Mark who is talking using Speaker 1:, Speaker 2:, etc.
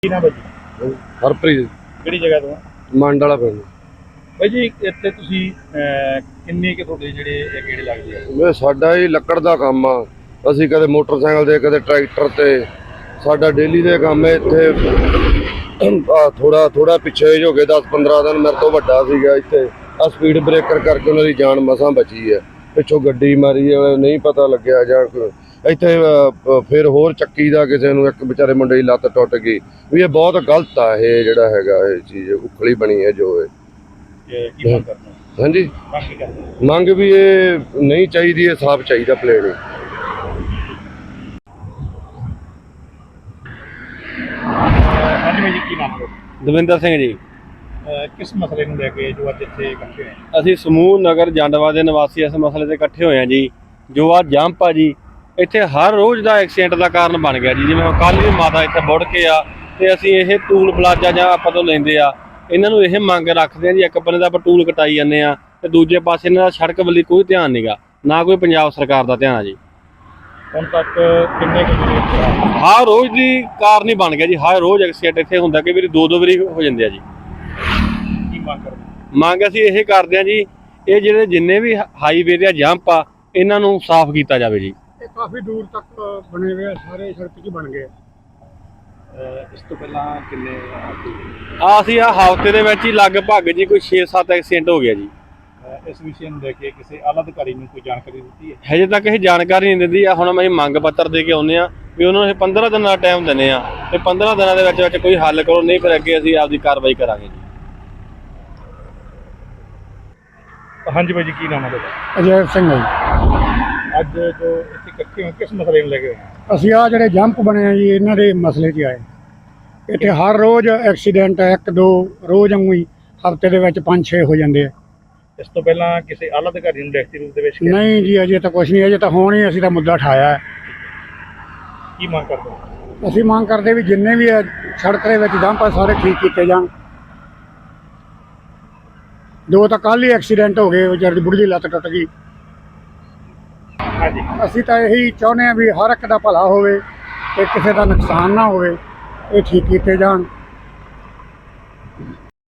Speaker 1: ਕੀ ਨਾਮ ਹੈ ਜੀ?
Speaker 2: ਹਰਪ੍ਰੀਤ
Speaker 1: ਕਿਹੜੀ ਜਗ੍ਹਾ ਤੋਂ?
Speaker 2: ਮੰਡ ਵਾਲਾ ਪਿੰਡ।
Speaker 1: ਬਾਈ ਜੀ ਇੱਥੇ ਤੁਸੀਂ ਕਿੰਨੇ ਕਿ ਤੁਹਾਡੇ ਜਿਹੜੇ ਇਹ ਗੇੜੇ ਲੱਗਦੇ ਆ?
Speaker 2: ਇਹ ਸਾਡਾ ਹੀ ਲੱਕੜ ਦਾ ਕੰਮ ਆ। ਅਸੀਂ ਕਦੇ ਮੋਟਰਸਾਈਕਲ ਤੇ ਕਦੇ ਟਰੈਕਟਰ ਤੇ, ਸਾਡਾ ਡੇਲੀ ਦੇ ਕੰਮ ਹੈ। ਇੱਥੇ ਥੋੜਾ ਪਿੱਛੇ ਹੋ ਗਏ 10-15 ਦਿਨ ਮੇਰੇ ਤੋਂ ਵੱਡਾ ਸੀਗਾ ਇੱਥੇ ਆ ਸਪੀਡ ਬ੍ਰੇਕਰ ਕਰਕੇ ਉਹਨਾਂ ਦੀ ਜਾਨ ਮਸਾਂ ਬਚੀ ਹੈ। ਪਿੱਛੋਂ ਗੱਡੀ ਮਾਰੀ ਨਹੀਂ ਪਤਾ ਲੱਗਿਆ ਜਾਂ ਇੱਥੇ ਫਿਰ ਹੋਰ ਚੱਕੀ ਦਾ ਕਿਸੇ ਨੂੰ ਇੱਕ ਵਿਚਾਰੇ ਮੁੰਡੇ ਦੀ ਲੱਤ ਟੁੱਟ ਗਈ ਵੀ। ਇਹ ਬਹੁਤ ਗਲਤ ਆ ਇਹ ਜਿਹੜਾ ਹੈਗਾ ਇਹ ਚੀਜ਼ ਉਖਲੀ ਬਣੀ ਹੈ ਜੋ
Speaker 1: ਕੀ ਮੰਗ ਕਰਦੇ ਹੋ?
Speaker 2: ਹਾਂਜੀ
Speaker 1: ਮੰਗ ਕੀ ਕਰਦੇ ਹੋ?
Speaker 2: ਮੰਗ ਵੀ ਇਹ ਨਹੀਂ ਚਾਹੀਦੀ, ਇਹ ਸਾਫ਼ ਚਾਹੀਦਾ ਪਲੇਨ।
Speaker 1: ਹਾਂਜੀ ਬਾਈ ਜੀ ਕੀ ਨਾਮ ਹੈ?
Speaker 3: ਦਵਿੰਦਰ ਸਿੰਘ ਜੀ।
Speaker 1: ਕਿਸ ਮਸਲੇ ਨੂੰ ਲੈ ਕੇ ਜੋ ਅੱਜ ਇੱਥੇ ਇਕੱਠੇ ਹੋਏ?
Speaker 3: ਅਸੀਂ ਸਮੂਹ ਨਗਰ ਜੰਡਵਾ ਦੇ ਨਿਵਾਸੀ ਇਸ ਮਸਲੇ ਤੇ ਇਕੱਠੇ ਹੋਏ ਹਾਂ ਜੀ। ਜੋ ਆ ਜੰਪ ਆ ਜੀ, ਇੱਥੇ ਹਰ ਰੋਜ਼ ਦਾ ਐਕਸੀਡੈਂਟ ਦਾ ਕਾਰਨ ਬਣ ਗਿਆ ਜੀ। ਜਿਵੇਂ ਕੱਲ੍ਹ ਵੀ ਮਾਤਾ ਇੱਥੇ ਮੁੜ ਕੇ ਆ ਤੇ ਅਸੀਂ ਇਹ ਟੂਲ ਪਲਾਜ਼ਾ ਜਾਂ ਆਪਾਂ ਤੋਂ ਲੈਂਦੇ ਆ, ਇਹਨਾਂ ਨੂੰ ਇਹ ਮੰਗ ਰੱਖਦੇ ਆ ਜੀ। ਇੱਕ ਬੰਨੇ ਦਾ ਆਪਾਂ ਟੂਲ ਕਟਾਈ ਜਾਂਦੇ ਆ ਤੇ ਦੂਜੇ ਪਾਸੇ ਇਹਨਾਂ ਦਾ ਸੜਕ ਵੱਲ ਕੋਈ ਧਿਆਨ ਨਹੀਂਗਾ, ਨਾ ਕੋਈ ਪੰਜਾਬ ਸਰਕਾਰ ਦਾ ਧਿਆਨ ਆ ਜੀ।
Speaker 1: ਹੁਣ ਤੱਕ ਕਿੰਨੇ ਕੁ
Speaker 3: ਹਰ ਰੋਜ਼ ਦੀ ਕਾਰਨ ਹੀ ਬਣ ਗਿਆ ਜੀ। ਹਰ ਰੋਜ਼ ਐਕਸੀਡੈਂਟ ਇੱਥੇ ਹੁੰਦਾ, ਕਈ ਵਾਰੀ ਦੋ ਵਾਰੀ ਹੋ ਜਾਂਦੇ ਆ ਜੀ।
Speaker 1: ਕੀ ਮੰਗ ਕਰਦੇ?
Speaker 3: ਮੰਗ ਅਸੀਂ ਇਹ ਕਰਦੇ ਆ ਜੀ, ਇਹ ਜਿਹੜੇ ਜਿੰਨੇ ਵੀ ਹਾਈਵੇ ਦੇ ਜੰਪ ਆ ਇਹਨਾਂ ਨੂੰ ਸਾਫ਼ ਕੀਤਾ ਜਾਵੇ ਜੀ।
Speaker 4: ਇਹ ਕਾਫੀ ਦੂਰ ਤੱਕ ਬਣੇ ਹੋਏ ਆ, ਸਾਰੇ ਸੜਕ 'ਚ ਬਣ ਗਏ।
Speaker 1: ਇਸ ਤੋਂ ਪਹਿਲਾਂ ਕਿੰਨੇ
Speaker 3: ਅਸੀਂ ਹਫ਼ਤੇ ਦੇ ਵਿੱਚ ਹੀ ਲਗਭਗ ਜੀ ਕੋਈ 6-7 ਐਕਸੀਡੈਂਟ ਹੋ ਗਿਆ ਜੀ।
Speaker 1: ਇਸ ਵਿਸ਼ੇ ਨੂੰ ਲੈ ਕੇ ਕਿਸੇ ਆਲਾ ਅਧਿਕਾਰੀ ਨੂੰ ਕੋਈ ਜਾਣਕਾਰੀ ਦਿੱਤੀ ਹੈ?
Speaker 3: ਹਜੇ ਤੱਕ ਇਹ ਜਾਣਕਾਰੀ ਨਹੀਂ ਦਿੰਦੀ ਆ। ਹੁਣ ਅਸੀਂ ਮੰਗ ਪੱਤਰ ਦੇ ਕੇ ਆਉਂਦੇ ਆ ਵੀ ਉਹਨਾਂ ਨੂੰ ਇਹ 15 ਦਿਨਾਂ ਦਾ ਟਾਈਮ ਦਿੰਦੇ ਆ ਤੇ 15 ਦਿਨਾਂ ਦੇ ਵਿੱਚ ਕੋਈ ਹੱਲ ਕਰੋ, ਨਹੀਂ ਫਿਰ ਅੱਗੇ ਅਸੀਂ ਆਪਦੀ ਕਾਰਵਾਈ ਕਰਾਂਗੇ ਜੀ।
Speaker 1: ਹਾਂਜੀ ਬਾਈ ਜੀ ਕੀ ਨਾਮ ਹੈ ਤੁਹਾਡਾ?
Speaker 4: ਅਜੈ ਸਿੰਘ ਹੈ ਜੀ।
Speaker 1: ਅੱਜ ਜੋ ਇੱਥੇ ਇਕੱਠੇ ਹੋਏ ਕਿਸ ਮਸਲੇ ਨੂੰ ਲੈ ਕੇ ਹੋਏ?
Speaker 4: ਅਸੀਂ ਆ ਜਿਹੜੇ ਜੰਪ ਬਣੇ ਆ ਜੀ, ਇਹਨਾਂ ਦੇ ਮਸਲੇ 'ਚ ਆਏ। ਇੱਥੇ ਹਰ ਰੋਜ਼ ਐਕਸੀਡੈਂਟ 1-2 ਰੋਜ਼ ਵਾਂਗੂ ਹੀ ਹਫ਼ਤੇ ਦੇ ਵਿੱਚ 5-6 ਹੋ ਜਾਂਦੇ ਆ।
Speaker 1: ਇਸ ਤੋਂ ਪਹਿਲਾਂ ਕਿਸੇ ਆਲਾ ਅਧਿਕਾਰੀ ਨੂੰ ਲਿਖਤੀ ਰੂਪ ਦੇ ਵਿੱਚ
Speaker 4: ਨਹੀਂ ਜੀ, ਅਜੇ ਤਾਂ ਕੁਛ ਨਹੀਂ। ਅਜੇ ਤਾਂ ਹੁਣ ਹੀ ਅਸੀਂ ਤਾਂ ਮੁੱਦਾ ਉਠਾਇਆ ਹੈ।
Speaker 1: ਕੀ ਮੰਗ ਕਰਦੇ ਹੋ?
Speaker 4: ਅਸੀਂ ਮੰਗ ਕਰਦੇ ਵੀ ਜਿੰਨੇ ਵੀ ਆ ਸੜਕ ਦੇ ਵਿੱਚ ਜੰਪ ਆ ਸਾਰੇ ਠੀਕ ਕੀਤੇ ਜਾਣ। 2 ਤਾਂ ਕੱਲ੍ਹ ਹੀ ਐਕਸੀਡੈਂਟ ਹੋ ਗਏ, ਵਿਚਾਰੀ ਦੀ ਬੁੜੀ ਦੀ ਲੱਤ ਟੁੱਟ ਗਈ।
Speaker 1: ਹਾਂਜੀ
Speaker 4: ਅਸੀਂ ਤਾਂ ਇਹੀ ਚਾਹੁੰਦੇ ਹਾਂ ਵੀ ਹਰ ਇੱਕ ਦਾ ਭਲਾ ਹੋਵੇ ਤੇ ਕਿਸੇ ਦਾ ਨੁਕਸਾਨ ਨਾ ਹੋਵੇ, ਇਹ ਠੀਕ ਕੀਤੇ ਜਾਣ।